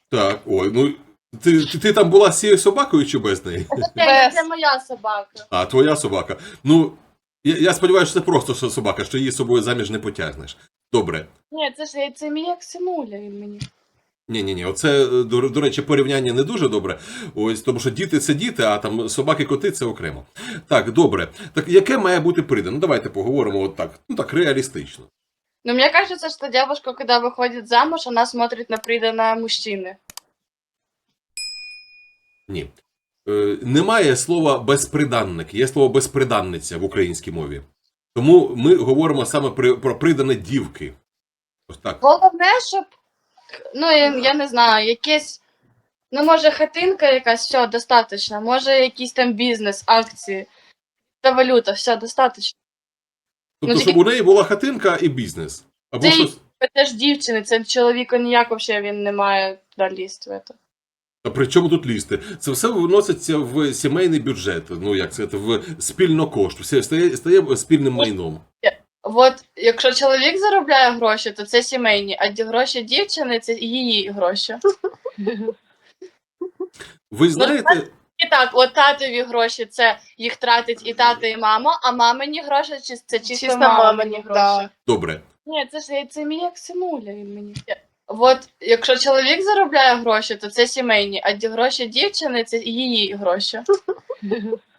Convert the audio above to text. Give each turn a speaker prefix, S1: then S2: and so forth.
S1: Так, ой, ну ти там була з цією собакою чи без неї?
S2: Це моя собака.
S1: А, твоя собака. Ну, я сподіваюся, що це просто собака, що її з собою заміж не потягнеш. Добре.
S2: Ні, це мій як синуля він мені.
S1: Ні, оце, до речі, порівняння не дуже добре. Ось, тому що діти це діти, а там собаки-коти це окремо. Так, добре. Так яке має бути придане? Ну, давайте поговоримо от так. Ну так, реалістично.
S2: Ну, мне кажется, что девушка, когда выходит замуж, она смотрит на приданное мужчины.
S1: Ні. Немає слова безприданник, є слово безприданниця в українській мові. Тому ми говоримо саме про придане дівки. Ось так.
S2: Головне, щоб, ну, я не знаю, якесь, ну, може, хатинка якась, все, достатньо. Може, якийсь там бізнес, акції, та валюта, все, достатньо.
S1: Тобто,
S2: Ну,
S1: щоб у неї була хатинка і бізнес. Або
S2: Це,
S1: щось.
S2: це ж дівчини, це чоловіка ніяк вообще він не має туди лізти в це.
S1: А при чому тут лізти? Це все виноситься в сімейний бюджет, ну як це, в спільнокошт, все стає спільним майном.
S2: От, якщо чоловік заробляє гроші, то це сімейні, а гроші дівчини це її гроші.
S1: Ви знаєте,
S2: І так, от татові гроші це їх тратить і тато, і мама, а мамині гроші це чисто мамині гроші.
S3: да.
S1: добре,
S2: Ні, це мій як синуля він мені. От, якщо чоловік заробляє гроші, то це сімейні, а гроші дівчини це її гроші.